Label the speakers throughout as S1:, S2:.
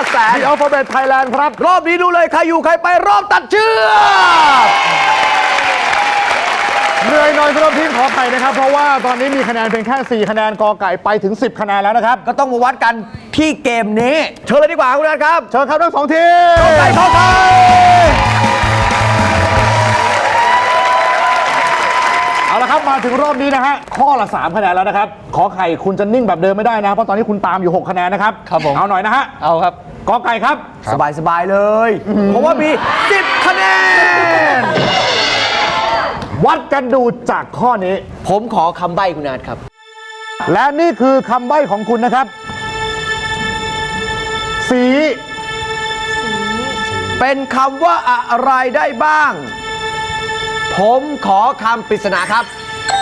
S1: แสน
S2: The Alphabet Thailand ครับ
S1: รอบนี้ดูเลยใครอยู่ใครไปรอบตัดเชือก
S2: เหนื่อยหน่อยสำหรับทีมขอไข่นะครับเพราะว่าตอนนี้มีคะแนนเพียงแค่4คะแนนกอไก่ไปถึง10คะแนนแล้วนะครับ
S1: ก็ต้องมาวัดกันที่เกมนี้เชิญเลยดีกว่าคุณนัทครับ
S2: เชิญครับทั้ง2ทีม
S1: กอไก่ขอไข่
S2: เอาละครับมาถึงรอบนี้นะฮะข้อละ3คะแนนแล้วนะครับขอไข่คุณจะนิ่งแบบเดิมไม่ได้นะเพราะตอนนี้คุณตามอยู่6คะแนนนะครับ
S3: ครับผม
S2: เอาหน่อยนะฮะ
S3: เอาครับ
S2: กอไก่ครับ
S1: สบายๆเลยเพราะว่ามี10คะแนน
S2: วัดกันดูจากข้อนี้
S1: ผมขอคำใบ้คุณนัทครับ
S2: และนี่คือคำใบ้ของคุณนะครับสี
S1: เป็นคำว่าอะไรได้บ้างผมขอคำปริศนาครับ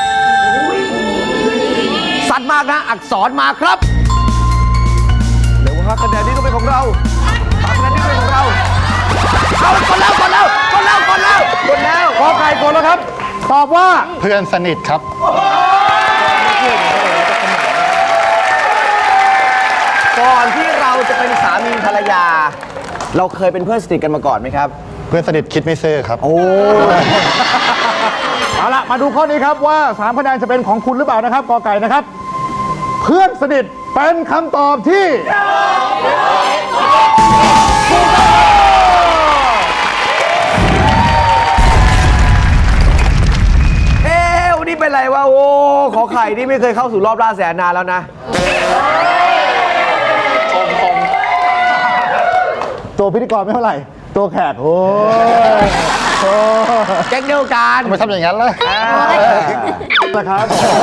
S1: สัตว์มากนะอักษรมาครับเดี๋ยว5คะแนนนี้ก็เป็นของเรา5คะแนนนี้ก็เป็นของเราเอากดแล้วกดแล้ว
S2: กอไก่กดแล้วครับตอบว่า
S3: เพื่อนสนิทครับ
S1: ก่อนที่เราจะเป็นสามีภรรยาเราเคยเป็นเพื่อนสนิทกันมาก่อนไหมครับ
S3: เพื่อนสนิทคิดไม่ซื่อครับ
S1: โอ้
S2: เอาละมาดูข้อนี้ครับว่า3คะแนนจะเป็นของคุณหรือเปล่านะครับกอไก่นะครับเพื่อนสนิทเป็นคำตอบที่
S1: วันนี้เป็นไรวะโอ้ขอไข่นี่ไม่เคยเข้าสู่รอบล่าแสนนานแล้วนะ
S2: ตัวพิธีกรไม่เท่าไหร่ตัวแขกโอ้
S1: แก๊งเดียวกัน
S3: ทำไมทำอย่างนั้นล่ะ
S2: นะครับ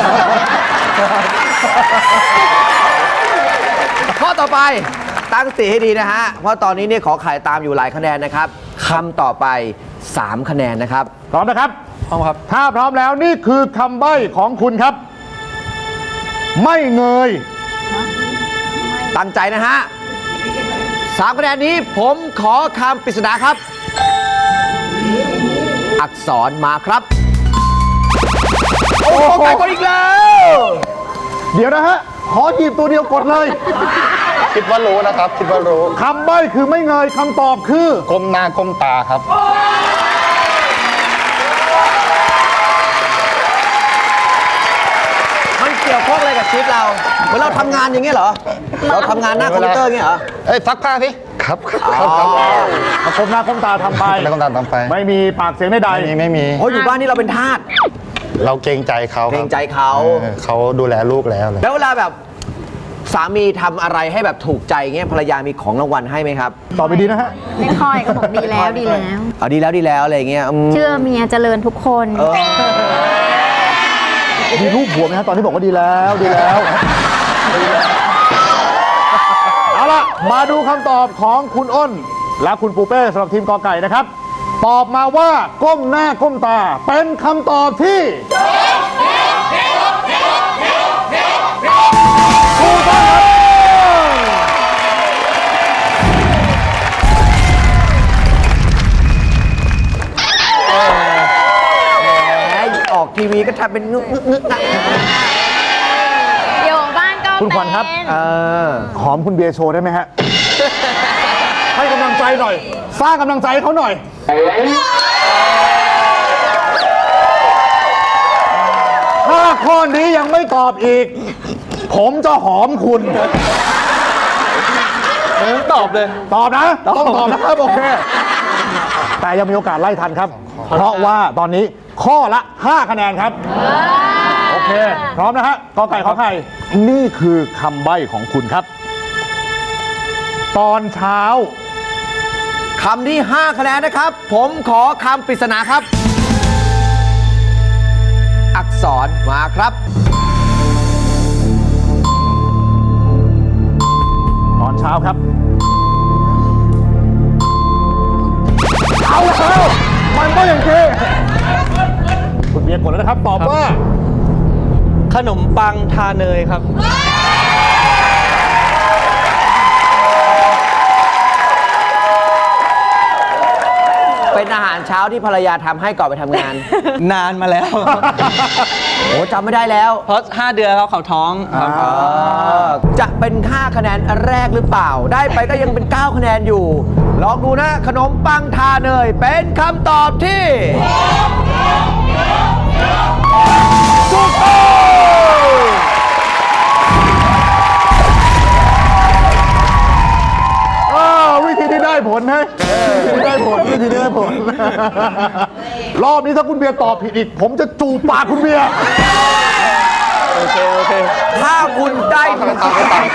S1: ข้อต่อไปตั้งสติให้ดีนะฮะเพราะตอนนี้เนี่ยขอไข่ตามอยู่หลายคะแนนนะครับคำต่อไป3คะแนนนะครับ
S2: พร้อมนะครับ
S3: พร้อมครับ
S2: ถ้าพร้อมแล้วนี่คือคำใบ้ของคุณครับไม่เงย
S1: ตั้งใจนะฮะ3คะแนนนี้ผมขอคำปริศนาครับอักษรมาครับโอ้ไก่กดอีกแล้ว
S2: เดี๋ยวนะฮะขอหยิบตัวเดียวกดเลย
S3: คิดว่ารู้นะครับคิดว่ารู้
S2: คำใบ้คือไม่เงยคำตอบคือ
S3: ก้มหน้าก้มตาครับ
S1: มันเกี่ยวข้องอะไรกับชีวิตเราเหมือนเราทำงานอย่างเงี้ยเหรอเราทำงานหน้าคอมพิวเตอร์เงี้ยเหรอ
S3: ซักผ้าสิครับ
S2: มาก้มหน้าก้มตาทำไป
S3: แล้วก้มตาทำไป
S2: ไม่มีปากเสียงใด
S3: ๆไม่มี
S1: เพราะอยู่บ้านนี่เราเป็นทาส
S3: เราเกรงใจเขา
S1: เกรงใจเขา
S3: เขาดูแลลูกแล้ว
S1: เวลาแบบสามีทำอะไรให้แบบถูกใจเงี้ยภรรยามีของรางวัลให้ไหมครับ
S2: ตอบไปดีนะฮะ
S4: ไม่ค่อยก็บอกดีแล้วดีแล้ว
S1: ดีแล้วอะไรเงี้ย
S4: เชื่อเมียเจริญทุกคน
S2: มีรูปหัวไหมฮะตอนที่บอกว่าดีแล้วเอาล่ะมาดูคำตอบของคุณอ้นและคุณปูเป้สำหรับทีมกอไก่นะครับตอบมาว่าก้มหน้าก้มตาเป็นคำตอบที่ถูกต้องครับ
S1: ออกทีวีก็ทำเป็นงึก
S4: อยู่บ้านก็
S2: คุณขวัญครับหอมคุณเบียร์โชว์ได้ไหมฮะให้กำลังใจหน่อยสร้างกำลังใจให้เขาหน่อยถ้าข้อนี้ยังไม่ตอบอีกผมจะหอมคุณ
S3: ตอบเลย
S2: ตอบนะต้องตอบนะครับโอเคแต่ยังมีโอกาสไล่ทันครับเพราะว่าตอนนี้ข้อละ5คะแนนครับโอเคพร้อมนะฮะกอไก่ขอไข่นี่คือคำใบ้ของคุณครับตอนเช้า
S1: คำที่5คะแนนนะครับผมขอคำปริศนาครับอักษรมาครับ
S2: ตอนเช้าครับเอาแล้วมันก็อย่างที่คุณเบียร์กดแล้วนะครับตอบว่า
S3: ขนมปังทาเนยครับ
S1: เป็นอาหารเช้าที่ภรรยาทำให้ก่อนไปทำงาน
S3: นานมาแล้ว
S1: โอ้จำไม่ได้แล้ว
S3: เพราะ 5 เดือนเขาท้องครับ
S1: จะเป็น 5 คะแนนอันแรกหรือเปล่า ได้ไปก็ยังเป็น 9 คะแนนอยู่ ลองดูนะ ขนมปังทาเนยเป็นคำตอบที่ถูกต้อง
S2: วิธีที่ได้ผลนะวิธีที่ได้ผลวิธีที่ได้ผล รอบนี้ถ้าคุณเบียร์ตอบผิดอีก ผมจะจูบปากคุณเบียร์
S3: โอเค
S1: ถ้าคุณได้ถึง
S5: ไม่ต้อง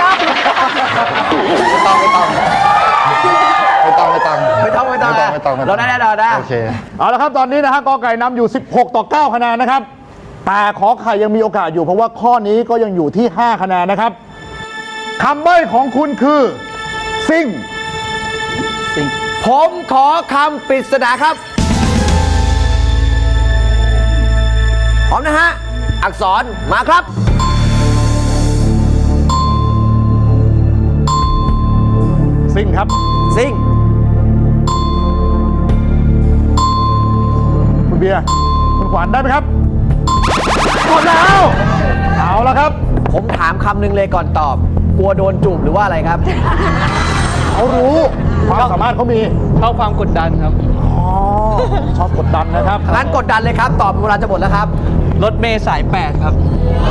S1: เราได้แน่นอนนะ
S5: โอเค
S2: เอาละครับตอนนี้นะฮะกอไก่นำอยู่ 16 ต่อ 9 คะแนนนะครับ แต่ขอไข่ยังมีโอกาสอยู่เพราะว่าข้อนี้ก็ยังอยู่ที่ 5 คะแนนนะครับคำใบ้ของคุณคือซิ่ง
S1: ผมขอคำปริศนาครับ พร้อมนะฮะ อักษรมาครับ
S2: ซิ่งครับ
S1: ซิ่ง
S2: คุณเบียร์คุณขวัญได้ไหมครับหมดแล้ว เอาละครับ
S1: ผมถามคำหนึ่งเลยก่อนตอบ กลัวโดนจูบหรือว่าอะไรครับ
S2: เขารู้ความสามารถเขามี
S3: เข้าความกดดันครับ
S2: อ๋อชอบกดดันนะครับ
S1: งั้นกดดันเลยครับ ตอบเวลาจะหมดแล้วครับ
S3: รถเมย์สาย 8 ครับ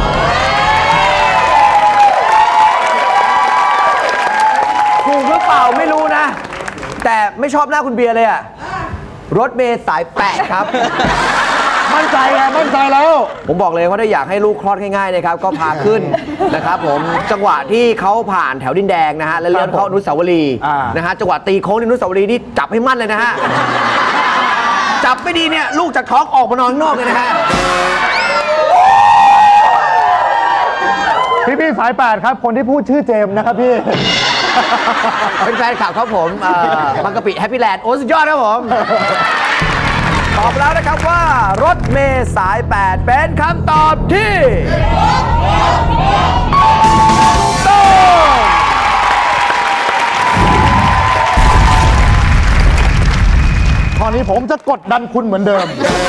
S1: ถูกหรือเปล่าไม่รู้นะ แต่ไม่ชอบหน้าคุณเบียร์เลยอะรถเมย์สาย 8 ครับ
S2: มั่นใจไงมั่นใจแล้ว
S1: ผมบอกเลยว่าถ้าอยากให้ลูกคลอดง่ายๆนะครับ ก็พาขึ้น นะครับผมจังหวะที่เขาผ่านแถวดินแดงนะฮะแล้วเลี้ยวเข้าอนุสาวรีย์นะฮะจังหวะตีโค้งในอนุสาวรีย์นี่จับให้มั่นเลยนะฮะ จับไม่ดีเนี่ยลูกจากท้องออกมานอนข้างนอกเลยนะฮะ
S2: พี่สาย 8 ครับ คนที่พูดชื่อเจมส์นะครับพี่
S1: เป็นแฟนคลับครับผมบางกะปิแฮปปี้แลนด์โอ้สุดยอดครับผม ตอบแล้วนะครับว่ารถเมย์สาย 8 เป็นคำตอบที่ถูกต้อง
S2: ข้อนี้ผมจะกดดันคุณเหมือนเดิม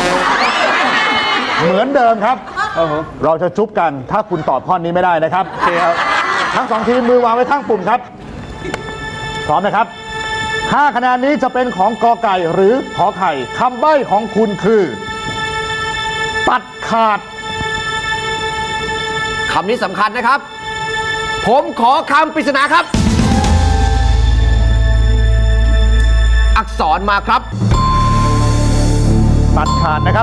S2: เหมือนเดิมครับ เราจะจุ๊บกันถ้าคุณตอบข้อนี้ไม่ได้นะครับโอเคครับทั้งสองทีมมือวางไว้ข้างปุ่มครับ พร้อมนะครับ 5 คะแนนนี้จะเป็นของกอไก่หรือขอไข่คำใบ้ของคุณคือ ตัดขาด
S1: คำนี้สำคัญนะครับ ผมขอคำปริศนาครับ อักษรมาครับ
S2: ตัดขาดนะครับ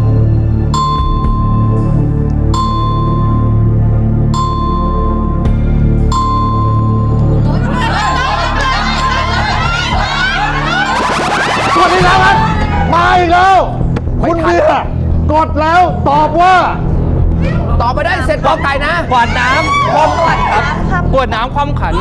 S2: กดอีกแล้วครับ มาอีกแล้ว คุณเบียร์กดแล้วตอบว่า
S1: ตอบไปได้เสร็จกอไก่นะ
S3: กวาดน้ำคว่ำขันครับกวดน้ำคว่ำขัน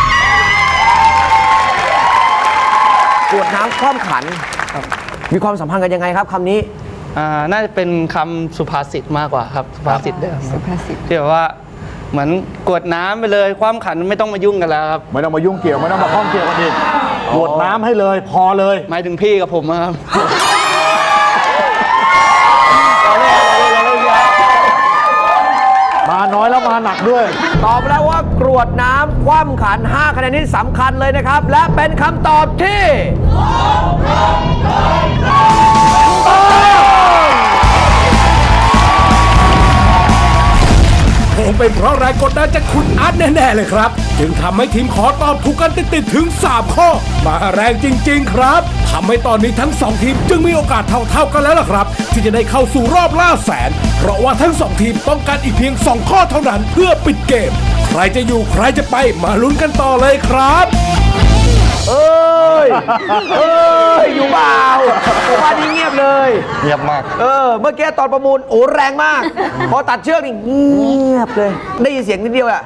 S1: กวดน้ำคว่ำขัน มีความสัมพันธ์กันยังไงครับคำนี้
S3: น่าจะเป็นคำสุภาษิตมากกว่าครับ สุภาษิตเดิมสุภาษิตที่แบบว่าเหมือนกวดน้ำไปเลยคว่ำขันไม่ต้องมายุ่งกันแล้วครับ
S2: ไม่ต้องมายุ่งเกี่ยว ไม่ต้องมาข้องเกี่ยวกันอีกกดน้ำให้เลยพอเลย
S3: หมายถึงพี่กับผมครับ
S2: มาน้อยแล้วมาหนักด้วย
S1: ตอบแล้วว่ากรวดน้ำคว่ำขัน 5 คะแนนนี้สำคัญเลยนะครับ และเป็นคำตอบที่
S6: คงเป็นเพราะแรงกดดันจากคุณอาร์ตแน่ๆเลยครับ จึงทำให้ทีมขอตอบถูกกันติดๆถึง 3 ข้อ มาแรงจริงๆครับทำให้ตอนนี้ทั้ง 2 ทีมจึงมีโอกาสเท่าๆกันแล้วล่ะครับ ที่จะได้เข้าสู่รอบล่าแสน เพราะว่าทั้ง 2 ทีมต้องการอีกเพียง 2 ข้อเท่านั้นเพื่อปิดเกม ใครจะอยู่ใครจะไปมาลุ้นกันต่อเลยครับ
S1: เอ้ย อยู่เปล่าผมว่านี่เงียบเลย
S5: เงียบมาก
S1: เมื่อกี้ตอนประมูลโอ้แรงมาก พอตัดเชือกนี่เงียบเลย ได้ยินเสียงนิดเดียวอะ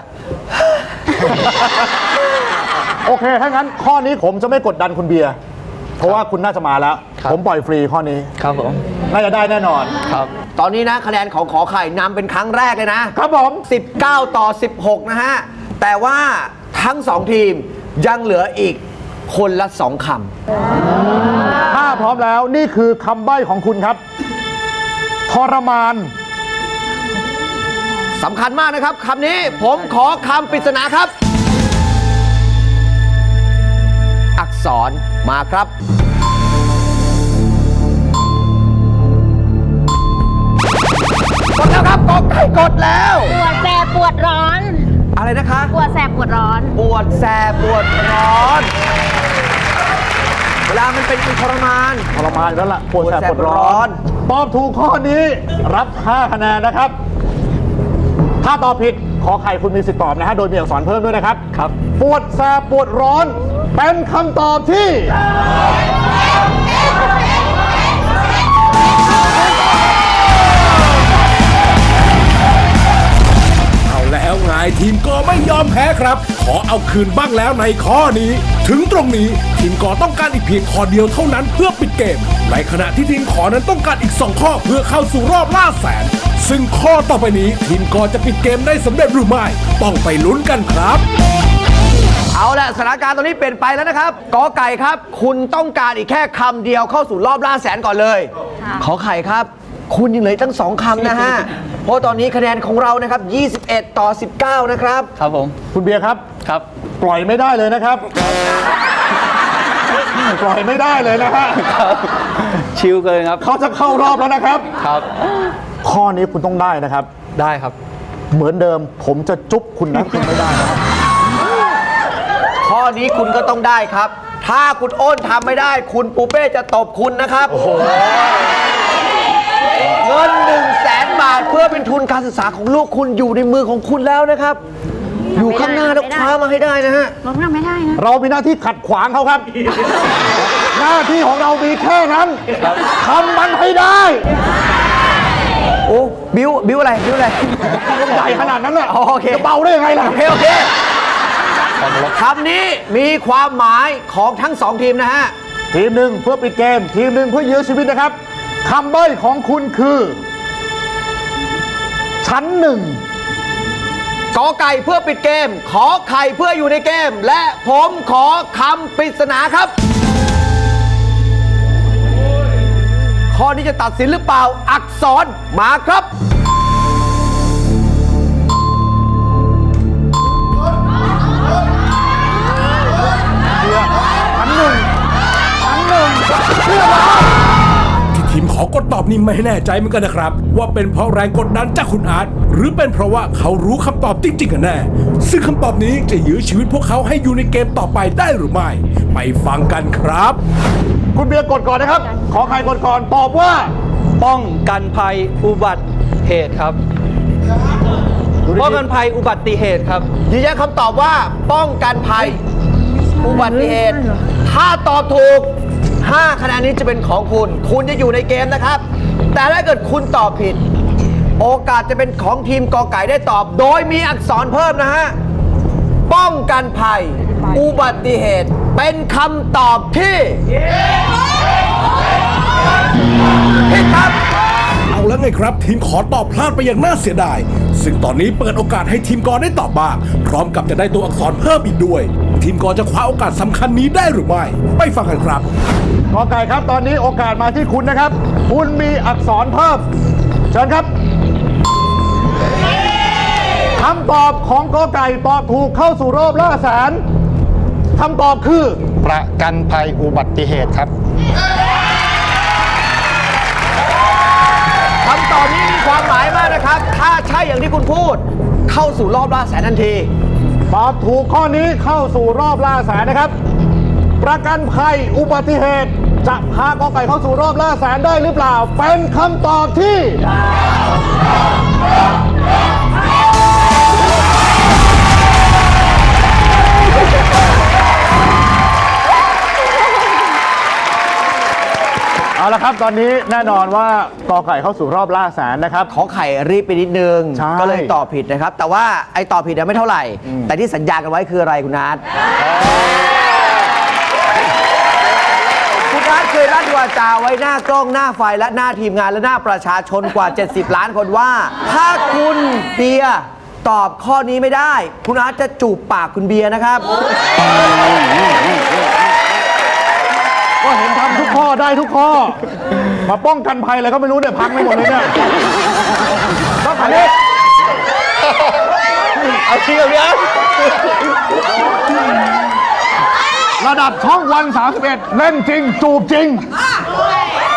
S2: โอเค ถ้างั้นข้อนี้ผมจะไม่กดดันคุณเบียร์ เพราะว่าคุณน่าจะมาแล้ว
S3: ครับ
S2: ผมปล่อยฟรีข้อนี้
S3: ครับผม
S2: น่าจะได้แน่นอน
S3: ครับ
S1: ตอนนี้นะคะแนนของขอไข่นำเป็นครั้งแรกเลยนะ
S2: ครับผม
S1: 19 ต่อ 16 นะฮะ แต่ว่าทั้ง 2 ทีมยังเหลืออีกคนละ 2 คำ
S2: ถ้าพร้อมแล้วนี่คือคำใบ้ของคุณครับ ทรมาน
S1: สำคัญมากนะครับคำนี้ผมขอคำปริศนาครับ อักษรมาครับกดแล้วครับกดไก่กดแล้ว
S4: ปวดแสบปวดร้อน
S1: อะไรนะคะ
S4: ปวดแสบปวดร้อน
S1: ปวดแสบปวดร้อน เวลามันเป็นทรมาน
S2: ทรมานอยู่แล้วล่ะปวดแสบปวดร้
S1: ปวดแสบปวดร้
S2: อ
S1: อน น
S2: ตอบถูกข้อนี้รับ 5 คะแนนนะครับ ถ้าตอบผิดขอไข่คุณมีสิทธิ์ตอบนะฮะโดยมีอักษรเพิ่มด้วยนะครับ
S3: ครับ
S2: ปวดแสบปวดร้อน เป็นคำตอบที่
S6: เอาแล้วไงทีมกอไม่ยอมแพ้ครับ ขอเอาคืนบ้างแล้วในข้อนี้ ถึงตรงนี้ทีมกอต้องการอีกเพียงข้อเดียวเท่านั้นเพื่อปิดเกม ในขณะที่ทีมขอนั้นต้องการอีก 2 ข้อเพื่อเข้าสู่รอบล่าแสน ซึ่งข้อต่อไปนี้ทีมกอจะปิดเกมได้สำเร็จหรือไม่ต้องไปลุ้นกันครับ
S1: เอาละสถานการณ์ตอนนี้เปลี่ยนไปแล้วนะครับกอไก่ครับ คุณต้องการอีกแค่คำเดียวเข้าสู่รอบล่าแสนก่อนเลย ขอไข่ครับ คุณยังเหลืออกตั้ง2 คำนะฮะ เพราะตอนนี้คะแนนของเรานะครับ 21 ต่อ 19 นะครับ
S3: ครับผม
S2: คุณเบียร์ครับ
S3: ครับ
S2: ปล่อยไม่ได้เลยนะครับ ปล่อยไม่ได้เลยนะฮะ
S3: ชิลเกินครับ
S2: เขาจะเข้ารอบแล้วนะครับ
S3: ครับ
S2: ข้อนี้คุณต้องได้นะครับ
S3: ได้ครับ
S2: เหมือนเดิมผมจะจุ๊บคุณนะคุณไม่ได้นะครับ
S1: ข้อนี้คุณก็ต้องได้ครับ ถ้าคุณอ้นทำไม่ได้ คุณปูเป้จะตบคุณนะครับเงิน 100,000 บาทเพื่อเป็นทุนการศึกษาของลูกคุณอยู่ในมือของคุณแล้วนะครับ อยู่ข้างหน้าแล้วคว้ามาให้ได้นะฮะ
S4: รถทำไม่ได้นะ
S2: เรามีหน้าที่ขัดขวางเขาครับ หน้าที่ของเรามีแค่นั้นทำมันให้ได้
S1: โอ้บิวอะไรบิวอะไร
S2: ใหญ่ขนาดนั้นน่ะ
S1: อ๋อโอเค
S2: จะเบาได้ยังไงล่ะ
S1: โอเคโอเคคำนี้มีความหมายของทั้ง 2 ทีมนะฮะ
S2: ทีมหนึ่งเพื่อปิดเกม ทีมหนึ่งเพื่อยื้อชีวิตนะครับคำใบ้ของคุณคือ ชั้นหนึ่ง
S1: กอไก่เพื่อปิดเกม ขอไข่เพื่ออยู่ในเกม และผมขอคำปริศนาครับ ข้อนี้จะตัดสินหรือเปล่า อักษรมาครับ
S2: ชั้นหนึ่งเชื่อไหม
S6: ที่ทีมขอกดตอบนี่ไม่แน่ใจเหมือนกันนะครับ ว่าเป็นเพราะแรงกดดันจากคุณอาร์ตหรือเป็นเพราะว่าเขารู้คำตอบจริงๆกันแน่ ซึ่งคำตอบนี้จะยื้อชีวิตพวกเขาให้อยู่ในเกมต่อไปได้หรือไม่ ไปฟังกันครับ
S2: คุณเบียร์กดก่อนนะครับ ขอใครกดก่อนตอบว่า
S3: ป้องกันภัยอุบัติเหตุครับ ป้องกันภัยอุบัติเหตุครับ
S1: ยืนยันคำตอบว่าป้องกันภัยอุบัติเหตุ ถ้าตอบถูก 5 คะแนนนี้จะเป็นของคุณ คุณจะอยู่ในเกมนะครับ แต่ถ้าเกิดคุณตอบผิด โอกาสจะเป็นของทีมกอไก่ได้ตอบ โดยมีอักษรเพิ่มนะฮะ ป้องกันภัย อุบัติเหตุ เป็นคำตอบที่ผิดครับ
S6: เอาแล้วไงครับ ทีมขอตอบพลาดไปอย่างน่าเสียดาย ซึ่งตอนนี้เปิดโอกาสให้ทีมกอได้ตอบบ้าง พร้อมกับจะได้ตัวอักษรเพิ่มอีกด้วย ทีมกอจะคว้าโอกาสสำคัญนี้ได้หรือไม่ ไปฟังกันครับ
S2: กอไก่ครับ ตอนนี้โอกาสมาที่คุณนะครับ คุณมีอักษรเพิ่ม เชิญครับคำตอบของกอไก่ตอบถูกเข้าสู่รอบล่าแสนคำตอบคือ
S5: ประกันภัยอุบัติเหตุครับ
S1: คำตอบนี้มีความหมายมากนะครับ ถ้าใช่อย่างที่คุณพูด เข้าสู่รอบล่าแสนทันที
S2: ตอบถูกข้อนี้เข้าสู่รอบล่าแสนนะครับ ประกันภัยอุบัติเหตุจะพากอไก่เข้าสู่รอบล่าแสนได้หรือเปล่า เป็นคำตอบที่ เอาละครับ ตอนนี้แน่นอนว่ากอไก่เข้าสู่รอบล่าแสนนะครับ
S1: ขอไข่รีบไปนิดนึง
S2: ใช่
S1: ก็เลยตอบผิดนะครับ แต่ว่าไอ้ตอบผิดเนี่ยไม่เท่าไหร่ แต่ที่สัญญากันไว้คืออะไรคุณอาร์ตคุณอาร์ตเคยลั่นวาจาไว้หน้ากล้องหน้าไฟและหน้าทีมงานและหน้าประชาชนกว่า 70 ล้านคนว่า ถ้าคุณเบียร์ตอบข้อนี้ไม่ได้ คุณอาร์ตจะจูบปากคุณเบียร์นะครับ
S2: ก็เห็นทำทุกข้อได้ทุกข้อ มาป้องกันภัยอะไรก็ไม่รู้เนี่ยพังไปหมดเลยเนี่ยต้องอันนี้
S3: เอาจริงกับพี่อาร์ต
S2: ระดับช่องวัน 31 เล่นจริง จูบจริง